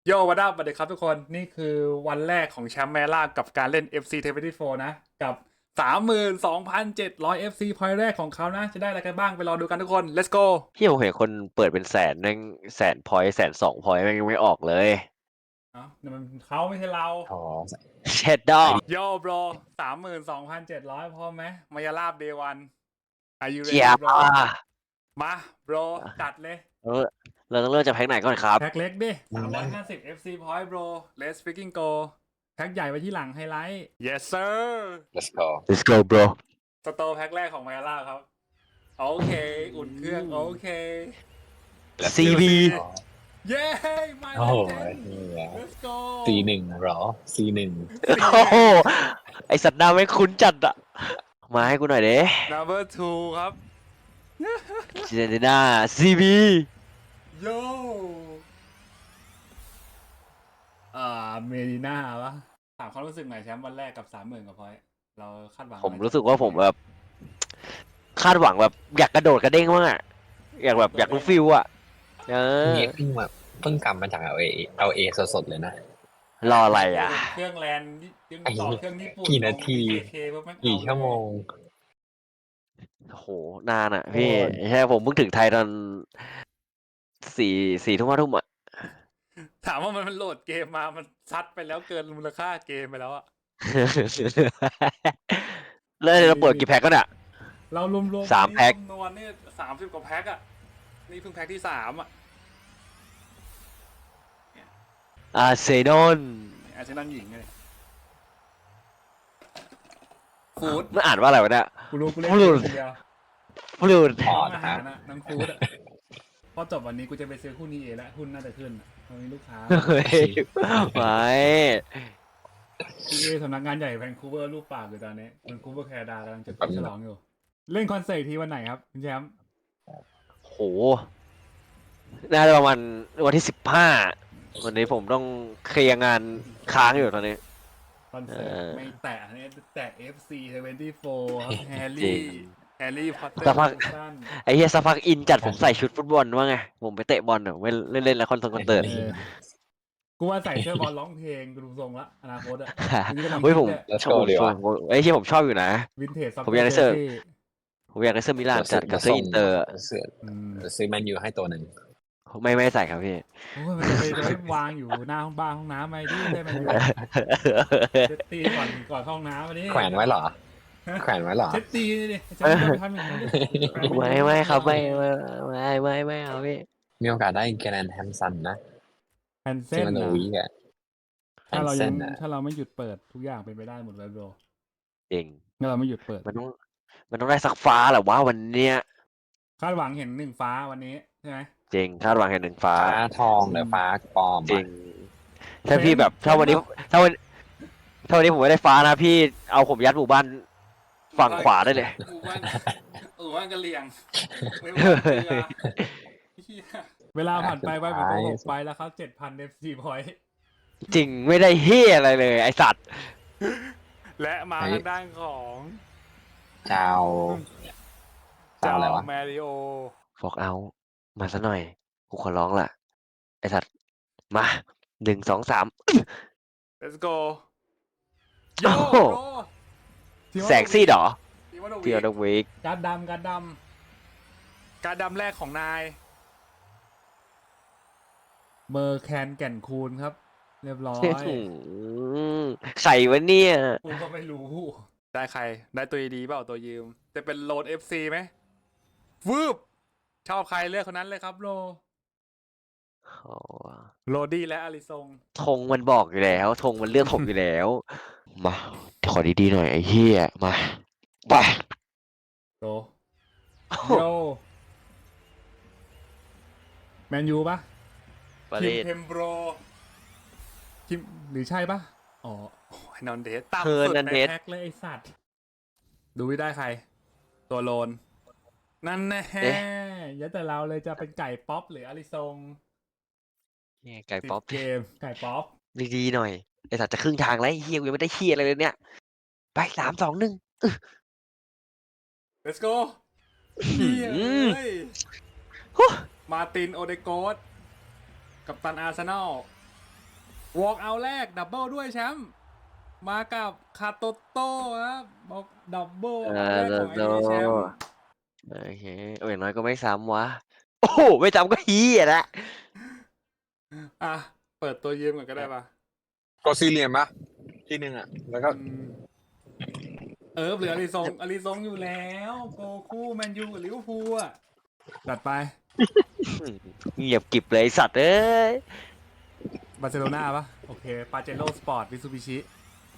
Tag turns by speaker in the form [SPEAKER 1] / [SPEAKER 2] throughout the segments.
[SPEAKER 1] โยวัดดับสวัสดีครับทุกคนนี่คือวันแรกของแชมป์แมล่ากับการเล่น FC24 นะกับ32,700 FC point แรกของเขานะจะได้อะไรกันบ้างไปรอดูกันทุกคน let's go
[SPEAKER 2] พี่ผมเห็นคนเปิดเป็นแสนนึงแสนพอยต์102 พอยต์แม่งยังไม่ออกเลย
[SPEAKER 1] เอ้าเนี่ยมันเขาไม่ใช่เรา
[SPEAKER 3] อ๋อ
[SPEAKER 2] เช็ดดอ
[SPEAKER 1] โยบร32,700พร้อมไหมมายาลาบ day one are you
[SPEAKER 2] เจีย
[SPEAKER 1] ready
[SPEAKER 2] บ
[SPEAKER 1] bro มาโบรจัดเลย
[SPEAKER 2] เออเราต้องเริ่มจากแพ็กไหนก่อนครับ
[SPEAKER 1] แพ็คเล็กดิ350 FC point bro let's freaking go แพ็คใหญ่ไว้ที่หลังไฮไลท์ yes sir
[SPEAKER 3] let's go
[SPEAKER 2] Let's go bro
[SPEAKER 1] สโตร์แพ็คแรกของมายาลาครับโอเคอุ่นเครื่องโอเค
[SPEAKER 2] CB
[SPEAKER 1] เย้มา
[SPEAKER 3] โอ้
[SPEAKER 1] แล้ว
[SPEAKER 3] โห
[SPEAKER 1] เจน
[SPEAKER 3] นี่ไง
[SPEAKER 1] let's go
[SPEAKER 3] C1 เหรอ C1
[SPEAKER 2] โอ้โหไอสัตว์หน้าไม่คุ้นจัดอะมาให้กูหน่อยเด้
[SPEAKER 1] number 2ครับ
[SPEAKER 2] เจเนน่า CB
[SPEAKER 1] โยเมดิน่าวะถามความรู้สึกหน่อยแชมป์วันแรกกับ30,000กับพอยต์เราคาดหวัง
[SPEAKER 2] ผมรู้สึกว่าผมแบบคาดหวังแบบอยากกระโดดกระเด้งมากอะอยากรู้ฟิลอะเออ
[SPEAKER 3] นี่เพิ่งกลับมาจาก LA สดๆเลยนะ
[SPEAKER 2] รออะไรอะ
[SPEAKER 1] เครื่องแลนด์ยังต่อเครื่องญี่ปุ่น
[SPEAKER 3] กี่นาที
[SPEAKER 1] เคปุ๊บแม่ง
[SPEAKER 3] กี่
[SPEAKER 1] เอาเลย
[SPEAKER 3] ชั่วโมง
[SPEAKER 2] โอ้โหนานอะพี่
[SPEAKER 3] โอ้ย
[SPEAKER 2] ใช่ผมเพิ่งถึงไทยตอนสี่ทุ่ม5 ทุ่มอะ
[SPEAKER 1] ถามว่ามันโหลดเกมมามันซัดไปแล้วเกินมูลค่าเกมไปแล้วอะ
[SPEAKER 2] แล้วเราเปิดกี่แพ็คก็เนี่ย
[SPEAKER 1] เรารวมๆ
[SPEAKER 2] 3 แพ็ค
[SPEAKER 1] จำนวนนี่30 กว่าแพ็คอะนี่เพิ่งแพ็คที่3อะ
[SPEAKER 2] อาร์เซนอล
[SPEAKER 1] อาร์เซนอลหญิงเลยฟูด
[SPEAKER 2] มันอ่านว่าอะไรวะเนี่ย
[SPEAKER 1] กูรู้กูเล่น
[SPEAKER 2] ฟู้
[SPEAKER 1] เก
[SPEAKER 2] ด
[SPEAKER 1] มคนเดียว
[SPEAKER 2] ฟลูด
[SPEAKER 3] อ๋อ
[SPEAKER 1] น้องอา
[SPEAKER 3] นะครั
[SPEAKER 1] หา
[SPEAKER 3] บ
[SPEAKER 1] รนะน้องฟูดอะพอจบวันนี้กูจะไปซื้อหุ้นนี้เอแล้วหุ้นน่าจะขึ้นอะตอนนี้ลูกค้า
[SPEAKER 2] เฮ้ยไม่
[SPEAKER 1] ที่สำนักงานใหญ่แวนคูเวอร์รูปปากอยู่ตอนนี้แวนคูเวอร์แคนาดากำลังจะไปฉลองอยู่ เล่นคอนเสิร์ตทีวันไหนครับคุณแชมป์
[SPEAKER 2] โหน่าจะประมาณวันที่15วันนี้ผมต้องเคลียร์งานค้างอยู่ตอนนี้
[SPEAKER 1] คอนเสิร์ตไม่แตะเนี่ยแตะ FC24 ครับแฮร์
[SPEAKER 2] จริ
[SPEAKER 1] รี่
[SPEAKER 2] ง
[SPEAKER 1] แฮร์รี่พอตเตอ
[SPEAKER 2] สัก
[SPEAKER 1] ร์
[SPEAKER 2] พัก
[SPEAKER 1] สั้น
[SPEAKER 2] ไอ้เฮียสักพักอินจัดผมใส่ชุดฟุตบอลว่าไง ผมไปเตะบอลไม่เล่นแล้วคอนเสิร์ต
[SPEAKER 1] เออกูว่าใส่เสื้อบอลร้องเพลงกูดูทรงละอนาคตอะนี่กำลัง
[SPEAKER 2] เฮ้ย
[SPEAKER 1] คิด
[SPEAKER 2] ผม
[SPEAKER 1] เนี่ย
[SPEAKER 3] Let's
[SPEAKER 2] ชอบ
[SPEAKER 3] go ดีวะ
[SPEAKER 2] ไอ้ที่ผมชอบอยู่นะ
[SPEAKER 1] วินเทจซับ
[SPEAKER 2] ผมอยากได้เสื้อ
[SPEAKER 1] ซี่
[SPEAKER 2] ผมอยากได้เสื้อมิลานจัดกับเสื้ออินเตอร์อะ
[SPEAKER 3] ซื้อแมนยูให้ตัวหนึ่ง
[SPEAKER 2] ไม่ใส่ครับพี่
[SPEAKER 1] โอ้ยมันจะไปวางอยู่หน้าห้องบ้านห้องน้ำไหมดิได้ไหมอยู่เช็ดตีก่อนเข้าห้องน้ำมาดิ
[SPEAKER 3] แขวนไว้เหรอ แขวนไว้เหรอ
[SPEAKER 1] เช็ดตีนี่ดิจะไม่ทำอย่างนั้นดิ
[SPEAKER 2] ไม่ครับไม่เอาพี่
[SPEAKER 3] มีโอกาสได้แกรนแฮมสันนะ
[SPEAKER 1] แผ่น
[SPEAKER 3] เซ
[SPEAKER 1] เส้น
[SPEAKER 3] มันโน
[SPEAKER 1] นะ
[SPEAKER 3] วีกอะแฮ
[SPEAKER 1] ถ้าม เรา
[SPEAKER 3] เซ
[SPEAKER 1] ยัง
[SPEAKER 3] นอะ
[SPEAKER 1] ถ้าเราไม่หยุดเปิดทุกอย่างเป็นไปได้หมดเลยโบร
[SPEAKER 2] จริง
[SPEAKER 1] ถ้าเราไม่หยุดเปิด
[SPEAKER 2] มันต้องได้สักฟ้าแหละว่าวันเนี้ย
[SPEAKER 1] คาดหวังเห็นหนึ่งฟ้าวันนี้ใช่ไหม
[SPEAKER 2] จริงคาดหวังแค่หนึ่งฟ้า
[SPEAKER 3] ฟ้าทองหรือฟ้าปลอม
[SPEAKER 2] จริ
[SPEAKER 3] อะ
[SPEAKER 2] ง ถ้าพี่แบบถ้าวันนี้ผมไม่ได้ฟ้านะพี่เอาผมยัดหมู่บ้านฝั่งขวาได้เลย
[SPEAKER 1] หมู่บ้านกะเหรี่ยงไม่ว่าเกลือเหี้ยเวลาผ่านไปไปเป็นตัว6ไปแล้วครับ7,000 FC point
[SPEAKER 2] จริงไม่ได้เฮียอะไรเลยไอสัตว์
[SPEAKER 1] และมาทางด้านของ
[SPEAKER 3] เจ้าอะไรวะ
[SPEAKER 1] แมริโอ
[SPEAKER 2] ฟอกเอามาซะหน่อยกูขอร้องล่ะไอสัตว์มา1 2 3
[SPEAKER 1] let's go โย
[SPEAKER 2] โอ้โห
[SPEAKER 1] โร
[SPEAKER 2] แสงซีดเหรอ
[SPEAKER 1] ทีมอน
[SPEAKER 2] เดียวดวิก
[SPEAKER 1] การดำการดำแรกของนายเมอร์แคนแก่นคูณครับ เรียบร้อย
[SPEAKER 2] ไข่วะเนี่ย
[SPEAKER 1] กูก็ไม่รู้ ได้ใคร ได้ตัวดีเปล่าตัวยืม จะเป็นโลด FC ไหมวืบชอบใครเลือกคนนั้นเลยครับโล โรดี้และอาริซง
[SPEAKER 2] ธงมันบอกอยู่แล้วธงมันเลือกผมอยู่แล้ว มาขอดีๆหน่อยไอ้เหี้ยมาไป
[SPEAKER 1] โตโยแมนยูปะ
[SPEAKER 2] ประ
[SPEAKER 1] คิ
[SPEAKER 2] เด็
[SPEAKER 1] ม
[SPEAKER 2] น
[SPEAKER 1] เพมโบรคิมหรือใช่ปะอ๋อโอ้ยนอนเดสต่ำ
[SPEAKER 2] เฮิร์
[SPEAKER 1] สุด
[SPEAKER 2] นัน
[SPEAKER 1] ใน
[SPEAKER 2] เดส
[SPEAKER 1] แพ็คเลยไอสัตว์ ดูไม่ได้ใคร ตัวโลน นั่นแน่ยัดแต่เราเลยจะเป็นไก่ป๊อปหรืออาริซง
[SPEAKER 2] เนี่ยไก่ป๊อป
[SPEAKER 1] 10 เกม ไก่ป๊อป
[SPEAKER 2] ดีๆหน่อยไอ้สัตว์จะครึ่งทางแล้วไอ้เฮียกูยังไม่ได้เฮียอะไรเลยเนี่ยไป3 2 1
[SPEAKER 1] let's go เฮียเอ้ย
[SPEAKER 2] ฮู้
[SPEAKER 1] มาร์ตินโอเดโกสกับตันอาร์เซนอลวอล์กเอาแรกดับเบิลด้วยแชมป์มากับคาโตโต้ครับบอกดับเบิลเอาแรกของไอ้นี่แชมป์
[SPEAKER 2] โอเคอย่างน้อยก็ไม่ซ้ำวะโอ้โหไม่ซ้ำก็ฮียละ
[SPEAKER 1] อ่ะเปิดตัวยืมก่อนก็ได้ปะ
[SPEAKER 3] ก็ซีเรียมปะที่หนึ่งอ่ะแล้วก็
[SPEAKER 1] อืมเหลืออาริซงอยู่แล้วโกคู่แมนยูกับลิเวอร์พูลอ่ะจัดไป
[SPEAKER 2] เงียบกริบเลยไอ้สัตว์เอ้ย
[SPEAKER 1] บาร์เซโลนาปะโอเคปาเจโร่สปอร์ตมิซูบิชิ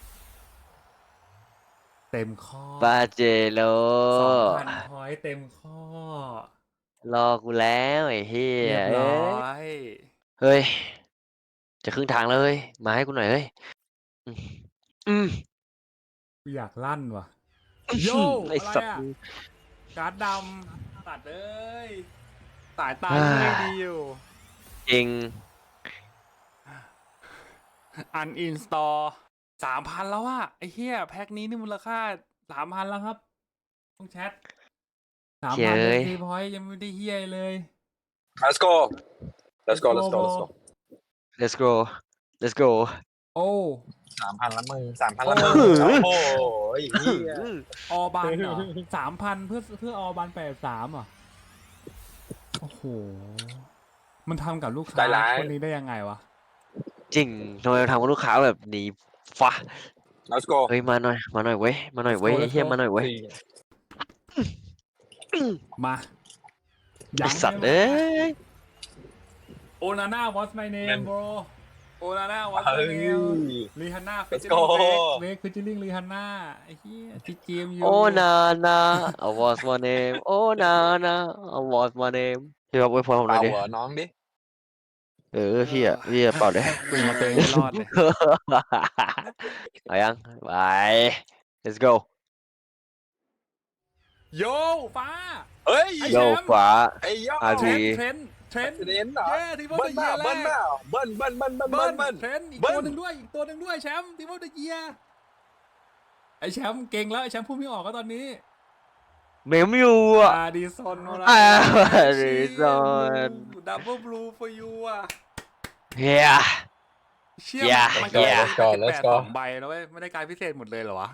[SPEAKER 1] เต็มข้อบ
[SPEAKER 2] าเจโล
[SPEAKER 1] 2,000 พอยต์เต็มข้อ
[SPEAKER 2] รอกูแล้วไอ้เฮีย
[SPEAKER 1] เรียบร้อย
[SPEAKER 2] เฮ้ย จะครึ่งทางแล้วเฮ้ย มาให้กูหน่อยเฮ้ย อืมอืม
[SPEAKER 1] กูอยากลั่นว่ะ โย่
[SPEAKER 2] ไอ้
[SPEAKER 1] อะไร
[SPEAKER 2] สัตว์
[SPEAKER 1] อ่ะ การ์ดดำตัดเอ้ย สายตา
[SPEAKER 2] อ่า
[SPEAKER 1] ไม่ดีอยู่
[SPEAKER 2] จริง
[SPEAKER 1] อันอินสตอล3,000แล้วอะไอ้เหี้ยแพ็คนี้นี่มูลค่า3,000แล้วครับต้องแชท
[SPEAKER 2] เย้
[SPEAKER 1] 3,000
[SPEAKER 2] ย
[SPEAKER 1] ทีพอยต์ยังไม่ได้เหี้ยเลย
[SPEAKER 3] let's go let's go let's go let's go
[SPEAKER 2] let's go let's go
[SPEAKER 1] โอ้
[SPEAKER 3] 3,000ละมึง3,000ละมึง โอ้โหไอ้เหี้ย
[SPEAKER 1] ออบันเหรอ 3,000 เพื่อออบัน83อ่ะ โอ้โห มันทำกับลูกค้า
[SPEAKER 3] ใจร้าย
[SPEAKER 1] คนนี้ได้ยังไงวะ
[SPEAKER 2] จริงทำไมทำกับลูกค้าแบบนี้ฟะ
[SPEAKER 3] let's go
[SPEAKER 2] เฮ้ยมาหน่อยมาหน่อยเว้ยมาหน่อยเว้ย
[SPEAKER 1] Let's go
[SPEAKER 2] ไอ้เฮียมาหน่อยเว้ย
[SPEAKER 1] มา
[SPEAKER 2] ไอ้สัตว์เอ้ย
[SPEAKER 1] โอนาน่า what's my name bro โอนาน่า what's
[SPEAKER 3] เฮ้
[SPEAKER 1] my
[SPEAKER 3] ย
[SPEAKER 1] name รีฮันน่า
[SPEAKER 3] Let's go
[SPEAKER 1] เวกฟิชเชอริงรีฮันน่าไอ้เหี้ยที่เกมอยู่
[SPEAKER 2] โอ้นานา I was my name โอ้นานา I was my name พี่บอกไว้พอผมหน่
[SPEAKER 3] เป่า
[SPEAKER 2] อยดิ
[SPEAKER 3] หัวน้องดิ
[SPEAKER 2] พี่อะเป่าเลย
[SPEAKER 1] คุยมาเตงไม่รอดเลย
[SPEAKER 2] เอายังไป let's go
[SPEAKER 1] โยฟ้า
[SPEAKER 3] เฮ้ย
[SPEAKER 1] ไอ้
[SPEAKER 2] โย
[SPEAKER 1] แชมป์
[SPEAKER 2] ขวา
[SPEAKER 3] ไอ้ยอด
[SPEAKER 2] อ่ะ
[SPEAKER 1] เท
[SPEAKER 2] ดี
[SPEAKER 1] รนด์เทรนด์
[SPEAKER 3] เน้นเหรอ
[SPEAKER 1] เย้ทีมออฟ
[SPEAKER 3] เบิ้
[SPEAKER 1] เด
[SPEAKER 3] ล
[SPEAKER 1] อะเยี
[SPEAKER 3] เป
[SPEAKER 1] ย
[SPEAKER 3] ล่า
[SPEAKER 1] ร์แร
[SPEAKER 3] เบิ้ล
[SPEAKER 1] ก
[SPEAKER 3] เปล่าเบิ้ลเบิ้ลเบิ้ลเบิ้ลเบิ้ล
[SPEAKER 1] เทรนด์อีก
[SPEAKER 3] เบิ้ล
[SPEAKER 1] ตัวหนึ่งด้วยอีกตัวหนึ่งด้วยแชมป์ทีมออฟเดอะเยียร์ไอ้แชมป์เก่งแล้วไอ้แชมป์พูดไม่ออกก็ตอนนี้
[SPEAKER 2] เมมอยู่อ่ะ
[SPEAKER 1] อาดิสัน
[SPEAKER 2] อาดิสัน
[SPEAKER 1] ดับเบิลบลู for you อ่ะ
[SPEAKER 2] เฮีย
[SPEAKER 1] เชี่ย
[SPEAKER 2] Yeah
[SPEAKER 1] มันก็
[SPEAKER 3] Let's go
[SPEAKER 1] ได้
[SPEAKER 3] Let's go
[SPEAKER 1] 2 ใบแล้วเว้ยไม่ได้การพิเศษหมดเลยเหรอวะ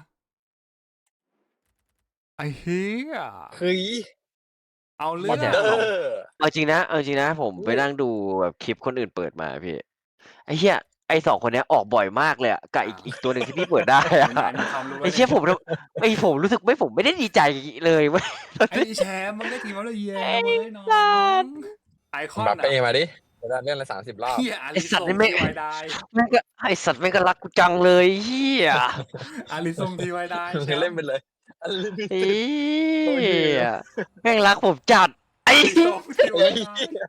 [SPEAKER 1] ไอ้เฮีย
[SPEAKER 3] เฮ้ย
[SPEAKER 1] เอาเรื่
[SPEAKER 3] ม
[SPEAKER 1] อ
[SPEAKER 3] อง นเดอร์
[SPEAKER 2] เอาจริงนะผมไปนั่งดูแบบคลิปคนอื่นเปิดมาพี่ไอ้เหี้ยไอ้2 คนเนี้ยออกบ่อยมากเลยอะกับอีกตัวหนึ่งที่พี่เปิดได้อะ
[SPEAKER 1] ไหนๆมีความรู้
[SPEAKER 2] ไอ้เชี่ยผมรู้สึกผมไม่ได้ดีใจเลยเว้ย
[SPEAKER 1] ไอ้แชมป์มันได้ทีมออฟเดอะเยียร์เว้ยน้อ
[SPEAKER 2] สั
[SPEAKER 1] ง
[SPEAKER 2] ตว์
[SPEAKER 1] ไอคอน
[SPEAKER 3] บัป
[SPEAKER 1] อะ
[SPEAKER 3] เป้มาดิจะได้เล่นละ30 รอบ
[SPEAKER 1] เฮียอา
[SPEAKER 2] ไอ้
[SPEAKER 1] ริ
[SPEAKER 2] สั
[SPEAKER 1] ซ
[SPEAKER 2] ตว์
[SPEAKER 1] ง
[SPEAKER 2] นี่ไม่
[SPEAKER 1] ทีไวได
[SPEAKER 2] แม่งก็ไอ้สัตว์แม่งก็รักกูจังเลยเฮีย
[SPEAKER 1] อาริซงทีไวไดแชม
[SPEAKER 3] เล่น
[SPEAKER 1] ป์
[SPEAKER 3] ไปเลย
[SPEAKER 2] เฮียแม่งรักผมจัดไอ้
[SPEAKER 1] อาริซงทีไวได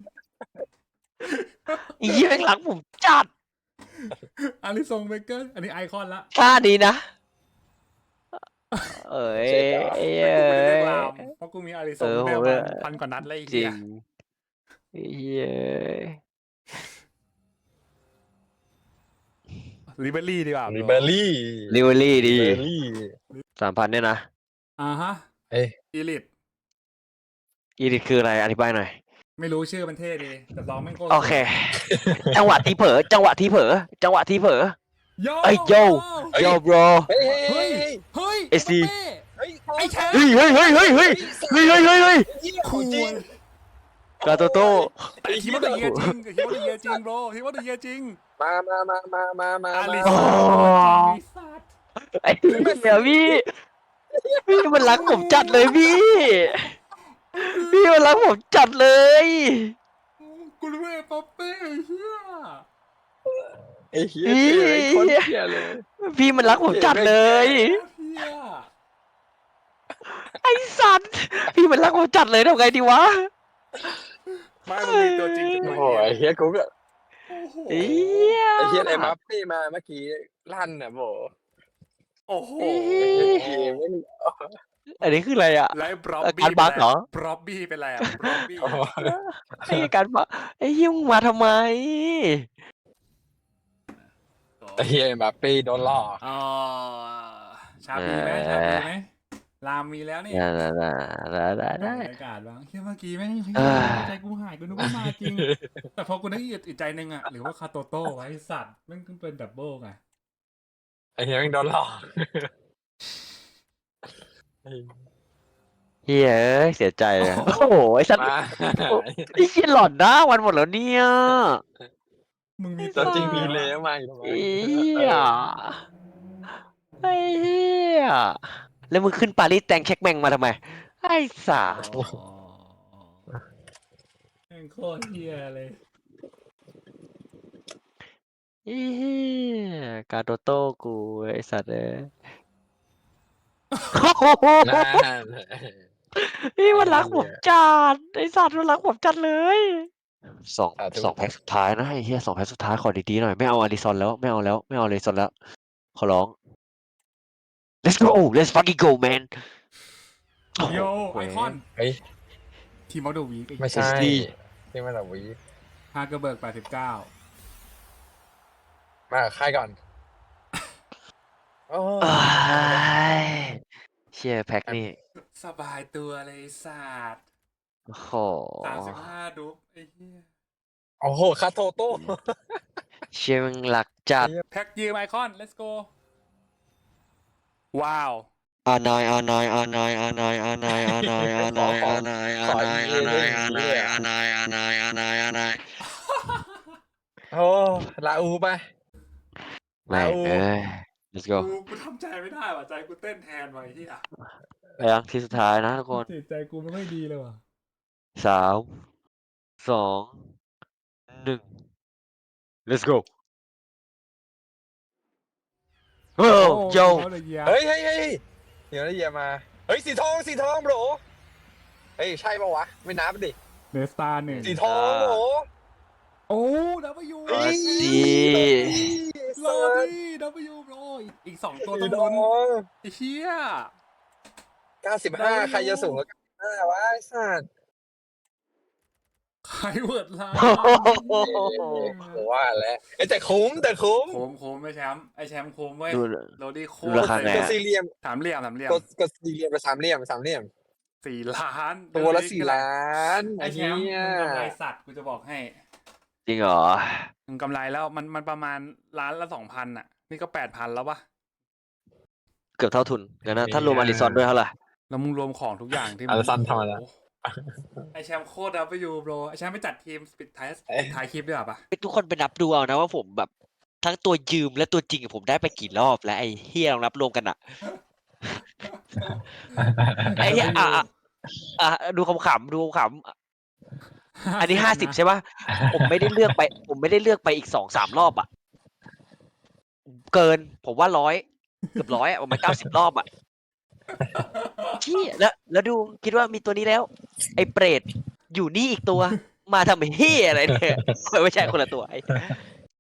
[SPEAKER 2] เหี้ยแม่งรักผมจัด
[SPEAKER 1] อาริซงเบเกอร์อันนี้ไอคอนละ
[SPEAKER 2] ท่าดีนะ เอ้ย
[SPEAKER 3] เจ๋งอะ
[SPEAKER 2] เอ้
[SPEAKER 1] กูไม่ได้
[SPEAKER 2] ย
[SPEAKER 1] กลามเพราะกูมีอาริซ
[SPEAKER 2] เอง อ
[SPEAKER 1] ได้
[SPEAKER 2] ผม
[SPEAKER 1] ประ
[SPEAKER 2] เนี่
[SPEAKER 1] มาย ณ1,000 กว่านัดเลยไอ้
[SPEAKER 2] จริ
[SPEAKER 1] เฮีย
[SPEAKER 2] งเฮีย
[SPEAKER 1] ลิเบอรี่ดีกว่า
[SPEAKER 3] ลิเบอรี่
[SPEAKER 2] ลิเวอรี่ดี
[SPEAKER 3] ลิเบอรี่
[SPEAKER 2] 3,000เนี่ยนะ
[SPEAKER 1] อ่าฮะ
[SPEAKER 3] เอ้ย
[SPEAKER 1] อีลิท
[SPEAKER 2] อีดิทคืออะไรอธิบายหน่อย
[SPEAKER 1] ไม่รู้ชื่อมันเท่ดีแต่ร้องแม่งโคตร
[SPEAKER 2] โอเค จังหวะที่เผลอ
[SPEAKER 1] โย
[SPEAKER 2] เอ้ยโย
[SPEAKER 3] เฮ้ย
[SPEAKER 2] โยบร
[SPEAKER 3] เฮ้ย
[SPEAKER 1] เฮ้ย เฮ้ย
[SPEAKER 2] ไอ้ซี
[SPEAKER 1] เป้
[SPEAKER 3] เฮ้ย
[SPEAKER 1] ไอ้แชมป์
[SPEAKER 2] เฮ้ย
[SPEAKER 1] คูล
[SPEAKER 2] กาโตโต้
[SPEAKER 1] แต่ทีมออฟเดอะเยียร์จริงทีมออฟเดอะเยียร์จริงโบรทีมออฟเดอะเยียร์จริง
[SPEAKER 3] มา
[SPEAKER 1] อาริ
[SPEAKER 3] มา
[SPEAKER 1] ซงไอ้สัตว์
[SPEAKER 2] ไอ้เหี้ยพี่มันรักผมจัดเลยพี่มันรักผมจัดเลย
[SPEAKER 1] กูรู้ไอ้ป๊อปเป้เฮีย
[SPEAKER 3] ไอ้เหี้ยไอ้คนเหี้ยเลย
[SPEAKER 2] พี่มันรักผมจัดเลย
[SPEAKER 1] เฮีย
[SPEAKER 2] ไอ้สัตว์พี่มันรักผมจัดเลยทำไงดีวะ
[SPEAKER 1] ไม่มึงมีตัวจริงกับ
[SPEAKER 3] โอ้
[SPEAKER 1] ตัว
[SPEAKER 3] โห
[SPEAKER 1] เฮีย
[SPEAKER 3] ไอ้เหี้ยกูก็
[SPEAKER 1] โอ้โห
[SPEAKER 2] เหี้ย
[SPEAKER 3] ไอ้เหี้ยไอ้บัฟฟี่มาเมื่อกี้ลั่นน่ะโบ
[SPEAKER 1] โอ้โห
[SPEAKER 2] อันนี้คืออะไรอ่ะ
[SPEAKER 1] แล้วบล็อบ
[SPEAKER 2] อา
[SPEAKER 1] บี้
[SPEAKER 2] การบั๊กเหรอ
[SPEAKER 1] บล็อบบี้เป็นไรอ่ะบล็อบบี้
[SPEAKER 2] ไอ้การปะไอ้เหี้ยมึงมาทำไม
[SPEAKER 3] ไอ้เหี้ยบัฟฟี่โดนล่อ
[SPEAKER 1] อ๋อชาบีไหมชาบีไหมรามมีแล้วเนี่ย
[SPEAKER 2] ได้
[SPEAKER 1] บรรยากาศบ้างเฮ้ยเมื่อกี้แม่ง
[SPEAKER 2] เอ้ย
[SPEAKER 1] ใจกูหายกูนึกว่ามาจริง แต่พอกูนึกอีกใจหนึ่งอ่ะหรือว่าคาโตโต้ไว้สัตว์แม่งเป็นดับเบิลไง
[SPEAKER 3] ไอ้เหี้ยแม่งโดนหลอก
[SPEAKER 2] เฮ้ยเสียใจเลยโอ้โหไอ้สัตว์
[SPEAKER 3] มา
[SPEAKER 2] ไอ้เหี้ยหลอนนะวันหมดแล้วเนี่ย
[SPEAKER 1] มึงมี
[SPEAKER 3] ตัวจริง
[SPEAKER 1] มี
[SPEAKER 3] มีเลยมาอยู่ทำไม
[SPEAKER 2] ไอ้เหี้ยไอ้เหี้ยแล้วมึงขึ้นปารีสแตงเช็คแมงมาทำไมไอ้สา
[SPEAKER 1] อ๋อแม่งโคตรเฮียเลย
[SPEAKER 2] ไอ้เหี้ยกาโตโต้กูไอ้สัตว์เอ้ย
[SPEAKER 3] นั่น
[SPEAKER 2] นี่มันรักผมจัดไอ้สัตว์มันรักผมจัดเลยสอง
[SPEAKER 3] สาธุ
[SPEAKER 2] สองแพ็คสุดท้ายนะไอ้เหี้ย2 แพ็คสุดท้ายขอดีๆหน่อยไม่เอาอาริซอนแล้วไม่เอาอาริซอนแล้วขอร้อง let's go let's fucking go man
[SPEAKER 1] โยไอคอน
[SPEAKER 3] เฮ้ย
[SPEAKER 1] ทีมอลเดอร์วีค
[SPEAKER 3] ไม่ใช่
[SPEAKER 2] ดี
[SPEAKER 3] ที่มาจากวี
[SPEAKER 1] ฮากเกอร์เบิร์ก89
[SPEAKER 3] มากับค่ายก่อนโอ้
[SPEAKER 2] เอ้ยเชี่ยแพ็คนี่
[SPEAKER 1] สบายตัวเลยศาสตร์
[SPEAKER 2] โอ้โห
[SPEAKER 1] 35ดุ๊บไอ้เหี้ย
[SPEAKER 3] โอ้โหคาโตโต้
[SPEAKER 2] เชี่ยมึงหลักจัด
[SPEAKER 1] แพ็กยืมไอคอน let's go ว้าว
[SPEAKER 2] อานายอานายอานายอานายอานายอานายอานายอานายอานายอานายอานายอานายอานายอานายอานาย
[SPEAKER 3] โอ้ลาอูไป
[SPEAKER 2] แม่งเอ้ย let's go
[SPEAKER 1] กูทำใจไม่ได้ว่ะใจกูเต้นแทนไว้ที่อ่ะ
[SPEAKER 2] ไปยังที่สุดท้ายนะทุกคน
[SPEAKER 1] จิตใจกูไม่ค่อยดีเลยว่ะ
[SPEAKER 2] 3 2 1 let's go โอ้โย
[SPEAKER 1] เอาเลยเหี้ย
[SPEAKER 3] เฮ้ยเดี๋ยวได้เยียมา เฮ้ยสีทองโบรเฮ้ยใช่ปะวะ ไม่นับดิ
[SPEAKER 1] เดสตาร์หนึ่ง
[SPEAKER 3] สีทองโบร
[SPEAKER 1] โอ้ดับเบิลยู
[SPEAKER 3] เฮ้ย
[SPEAKER 2] ดี
[SPEAKER 1] โรดี้ดับเบิลยูโรอีก2 ตัว
[SPEAKER 3] สี
[SPEAKER 1] ต้อง
[SPEAKER 3] ทอ
[SPEAKER 1] ลุ้น
[SPEAKER 3] ง
[SPEAKER 1] ไอ้เหี้ย
[SPEAKER 3] 95 ใครจะสูงกว่า95วะไอ้สัตว์
[SPEAKER 1] ใครเวิร์ดลา
[SPEAKER 3] โอ้ว่าแล้วเอ้ยแต่คุ้ม
[SPEAKER 1] โคมไม่แชมป์ไอแชมป์โคมเว้ย
[SPEAKER 2] ดู
[SPEAKER 1] โรดี้โค
[SPEAKER 2] ดู
[SPEAKER 1] ม
[SPEAKER 2] ราคาไง
[SPEAKER 3] กดสี่เหลี่ยม
[SPEAKER 1] สามเหลี่ยม
[SPEAKER 3] กดสี่เหลี่ยมไปสามเหลี่ยม
[SPEAKER 1] 4 ล้าน
[SPEAKER 3] ตัวละ4 ล้าน
[SPEAKER 1] ไอแชมป์
[SPEAKER 3] เหี้ย
[SPEAKER 1] มึงกำไรสัตว์กูจะบอกให้
[SPEAKER 2] จริงเหรอ
[SPEAKER 1] มึงกำไรแล้วมันประมาณล้านละ 2,000อ่ะ นี่ก็ 8,000แล้วปะ
[SPEAKER 2] เกือบเท่าทุนงั้นนะถ้ารวมอาริซอนด้วยเท่าไหร่
[SPEAKER 1] แล้วมึงรวมของทุกอย่างที่
[SPEAKER 3] อาริซอนทำอะไร
[SPEAKER 1] โอ้โหไอแชมป์โคตรดับเบิลยูโบรไอแชมป์ไปจัดทีมปิดท้ายคลิปด้วยปะ
[SPEAKER 2] ทุกคนไปนับดูเอานะว่าผมแบบทั้งตัวยืมและตัวจริงผมได้ไปกี่รอบแล้วไอ้เฮียลองนับรวมกันอะไอ้เฮียดูขำอันนี้50ใช่ป่ะผมไม่ได้เลือกไปอีก2-3 รอบอะเกินผมว่าเกือบ100อะประมาณ90 รอบอะชี้แล้วดูคิดว่ามีตัวนี้แล้ว ไอ้เปรตอยู่นี่อีกตัว มาทำเฮียอะไรเนี่ยไม่ใช่คนละตัวไอ้